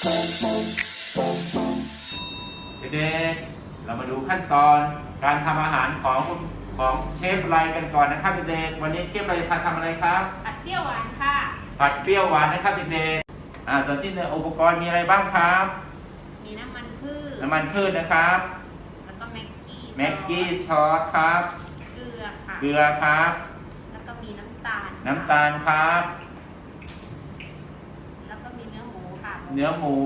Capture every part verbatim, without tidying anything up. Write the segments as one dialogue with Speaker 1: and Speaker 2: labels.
Speaker 1: เด็กๆเรามาดูขั้นตอนการทำอาหารของของเชฟไรกันก่อนนะครับเด็กๆวันนี้เชฟไรจะทำอะไรครับ
Speaker 2: ผัดเปรี้ยวหวานค่ะ
Speaker 1: ผัดเปรี้ยวหวานนะครับเด็กๆอ่าส่วนที่ในอุปกรณ์มีอะไรบ้างครับ
Speaker 2: มีน้ำมันพืช
Speaker 1: น้ำมันพืชนะครับ
Speaker 2: แล้วก็แม็กกี้
Speaker 1: แม็กกี้ซอสครับ
Speaker 2: เกลือค่ะ
Speaker 1: เกลือครับ
Speaker 2: แล้วก็มีน้ำตาล
Speaker 1: น้ำตาลครับ
Speaker 2: แล้วก็มีเนื้อหมูค่ะ
Speaker 1: เนื้อหมู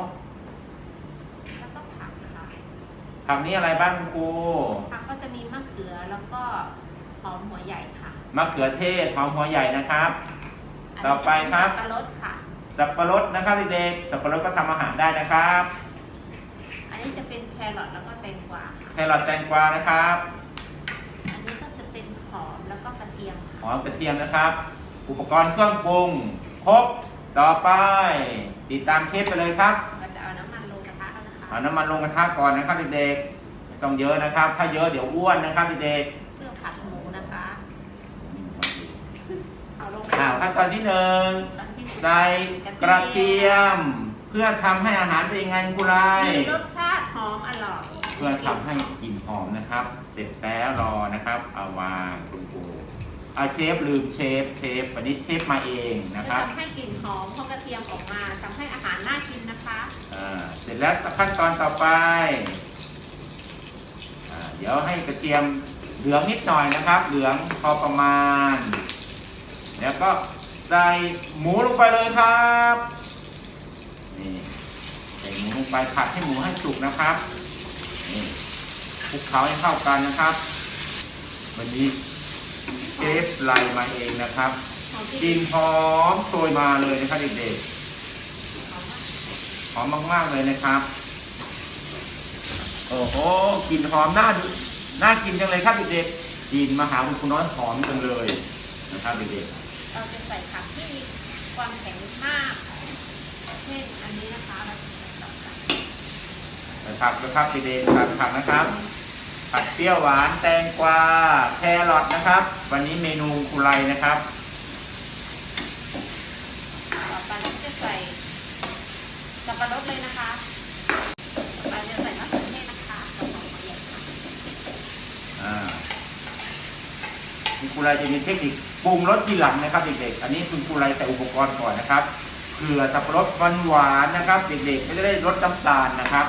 Speaker 2: แล้วก็ผักค่ะ
Speaker 1: ผักนี้อะไรบ้างครู
Speaker 2: ผักก็จะมีมะเขือแล้วก็หอมหัวใหญ่ค่ะ
Speaker 1: มะเขือเทศหอมหัวใหญ่นะครับต่อไปครับ
Speaker 2: สับปะรดค่ะ
Speaker 1: สับปะรดนะครับเด็กๆสับปะรดก็ทำอาหารได้นะครับ
Speaker 2: อันนี้จะเป็นแครอทแล้วก็แตงกวา
Speaker 1: แครอทแตงกวานะครับ
Speaker 2: อันนี้ก็จะเป็นหอมแล้วก็กระเทียม
Speaker 1: หอมกระเทียมนะครับอุปกรณ์เครื่องปรุงครบต่อไปติดตามเชฟไปเลยครับ
Speaker 2: เราจะเอาน้ำมันลงกระทะแล้วนะคะ
Speaker 1: เอาน้ำมันลงกระทะก่อนนะครับเด็กๆไม่ต้องเยอะนะครับถ้าเยอะเดี๋ยวอ้วนนะครับเด็ก
Speaker 2: ๆเพื่อผัดหมูนะคะ
Speaker 1: เอาลงข่าวขั้นตอนที่หนึ่งใส่กระเทียมเพื่อทำให้อาหารเป็นยังไงกุไล
Speaker 2: มีรสชาติหอมอร่อย
Speaker 1: เพื่อทำให้กลิ่นหอมนะครับเสร็จแล้วรอนะครับเอาวางคุณครูเอาเชฟลืมเชฟเชฟวันนี้เชฟมาเองนะครับ
Speaker 2: ทำให้กลิ่นหอมของกระเทียมออกมาทำให้อาหารน่ากินนะคะ
Speaker 1: อ่าเสร็จแล้วขั้นตอนต่อไปอ่าเดี๋ยวให้กระเทียมเหลืองนิดหน่อยนะครับเหลืองพอประมาณแล้วก็ใส่หมูลงไปเลยครับนี่ใส่หมูลงไปผัดให้หมูให้สุกนะครับนี่คลุกเคล้าให้เข้ากันนะครับวันนี้เชฟไล่มาเองนะครับกลิ่นหอมโชยมาเลยนะครับเด็กๆหอมมากๆเลยนะครับโอ้โหกลิ่นหอมน่าน่ากินจังเลยครับเด็กๆกลิ่นมาหาคุณครูน้อยหอมจังเลยนะครับเด็กๆ
Speaker 2: เราจะใส่ผักที่มีความแข็งมากเช่นอันนี้นะคะ
Speaker 1: ใส่ผักนะครับเด็กๆผัดผักนะครับผัดเปรี้ยวหวานแตงกวาแครอทนะครับวันนี้เมนูกุไลนะครับ
Speaker 2: ต่อไปเราจะใส่สับปะรดเลยนะคะต่อไปจะใส่มะเขือเทศนะคะกับหอมหัวใหญ่ค่ะ
Speaker 1: อ่าคุณกุไลจะมีเทคนิคปรุงรสทีหลังนะครับเด็กๆอันนี้คุณกุไลใส่อุปกรณ์ก่อนนะครับเกลือสับปะรดหวานๆนะครับเด็กๆไม่ได้รสน้ำตาลนะครับ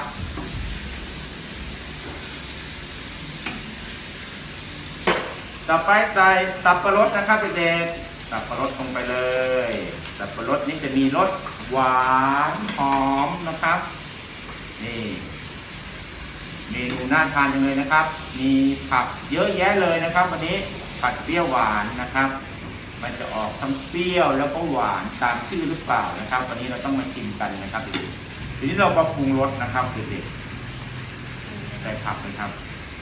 Speaker 1: ต่อไปใส่สับปะรดนะครับเด็กๆสับปะรดลงไปเลยสับปะรดนี้จะมีรสหวานหอมนะครับนี่เมนูน่าทานจังเลยนะครับมีผักเยอะแยะเลยนะครับวันนี้ผัดเปรี้ยวหวานนะครับมันจะออกทั้งเปรี้ยวแล้วก็หวานตามชื่อหรือเปล่านะครับวันนี้เราต้องมาชิมกันนะครับเด็กๆทีนี้เรามาปรุงรสนะครับเด็กๆใส่ผักเลยครับ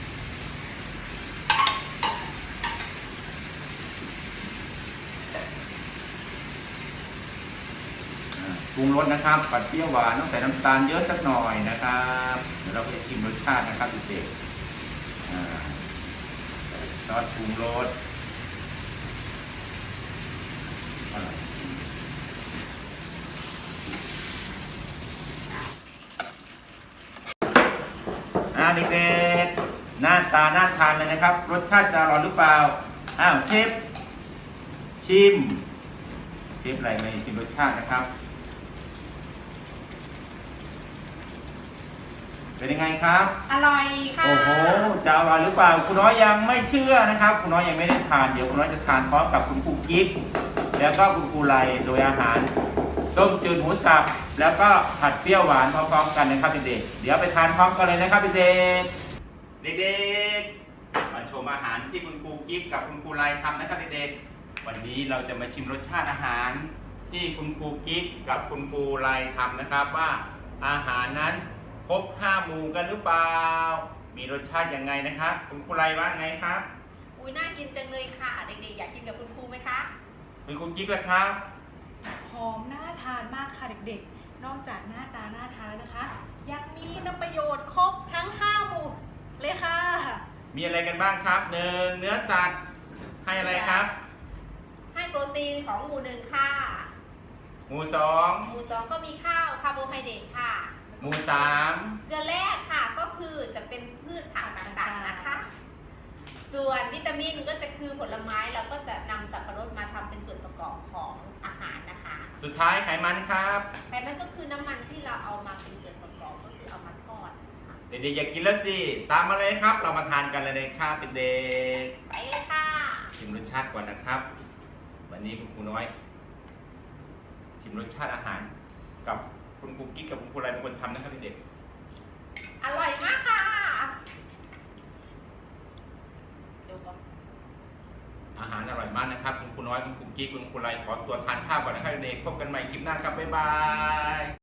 Speaker 1: ปรุงรสนะครับผัดเปรี้ยวหวานต้องใส่น้ำตาลเยอะสักหน่อยนะครับเดี๋ยวเราไปชิมรสชาตินะครับเด็กๆซอสปรุงรสอ่าเด็กๆหน้าตาน่าทานเลยนะครับรสชาติจะอร่อยหรือเปล่าอ้าวเชฟชิมเชฟอะไรมาชิมรสชาตินะครับเป็นยังไงครับ
Speaker 2: อร่อยค่ะ
Speaker 1: โอ้โหจะอร่อยหรือเปล่าคุณน้อยยังไม่เชื่อนะครับคุณน้อยยังไม่ได้ทานเดี๋ยวคุณน้อยจะทานพร้อมกับคุณครูกิ๊กแล้วก็คุณครูไลโดยอาหารต้มจืดหมูสับแล้วก็ผัดเปรี้ยวหวานพร้อมๆกันนะครับเด็กๆเดี๋ยวไปทานพร้อมกันเลยนะครับเด็กๆเด็กๆมาชมอาหารที่คุณครูกิ๊กกับคุณครูไลทำนะครับเด็กๆวันนี้เราจะมาชิมรสชาติอาหารที่คุณครูกิ๊กกับคุณครูไลทำนะครับว่าอาหารนั้นครบห้าหมู่กันหรือเปล่ามีรสชาติยังไงนะครับคุณครูไลว่าไงครับ
Speaker 2: อุ้ยน่ากินจังเลยค่ะเด็กๆอยากกินกับคุณครูไหมคะ
Speaker 1: คุณครูกิ๊กล่ะครับ
Speaker 3: หอมน่าทานมากค่ะเด็กๆนอกจากหน้าตาน่าทานนะคะยังมีน้ำประโยชน์ครบทั้งห้าหมู่เลยค่ะ
Speaker 1: มีอะไรกันบ้างครับหนึ่งเนื้อสัตว์ให้อะไรครับ
Speaker 2: ให้โปรตีนของหมู่หนึ่งค่ะ
Speaker 1: หมู่สอง
Speaker 2: หมู่สองก็มีข้าวคาร์โบไฮเดรตค่ะ
Speaker 1: หมู่สาม
Speaker 2: เกลือแร่ค่ะก็คือจะเป็นพืชผักต่างๆนะคะ ส่วนวิตามินก็จะคือผลไม้เราก็จะนำสับปะรดมาทำเป็นส่วนประกอบของอาหารนะคะ
Speaker 1: สุดท้ายไขมันครับ
Speaker 2: ไขมันก็คือน้ำมันที่เราเอามาเป็นส่วนประกอบก็คือเอามาทอดนะคะ
Speaker 1: เด็กๆอยากกินแล้วสิ ตามมาเลยครับ เรามาทานกันเลยครับเด็ก
Speaker 2: ไปเลยค่ะ
Speaker 1: ๆชิมรสชาติก่อนนะครับ วันนี้คุณครูน้อย ชิมรสชาติอาหาร กับคุณครูกิ๊กกับคุณครูไรเป็นคนทำนะครับเด็ก
Speaker 2: อร่อยมากค่ะเดี๋ยวก่อน
Speaker 1: ๆอาหารอร่อยมากนะครับ คุณครูน้อยคุณครูกิ๊กคุณครูไรขอตัวทานข้าวก่อนนะครับเด็กๆพบกันใหม่คลิปหน้าครับบ๊ายบาย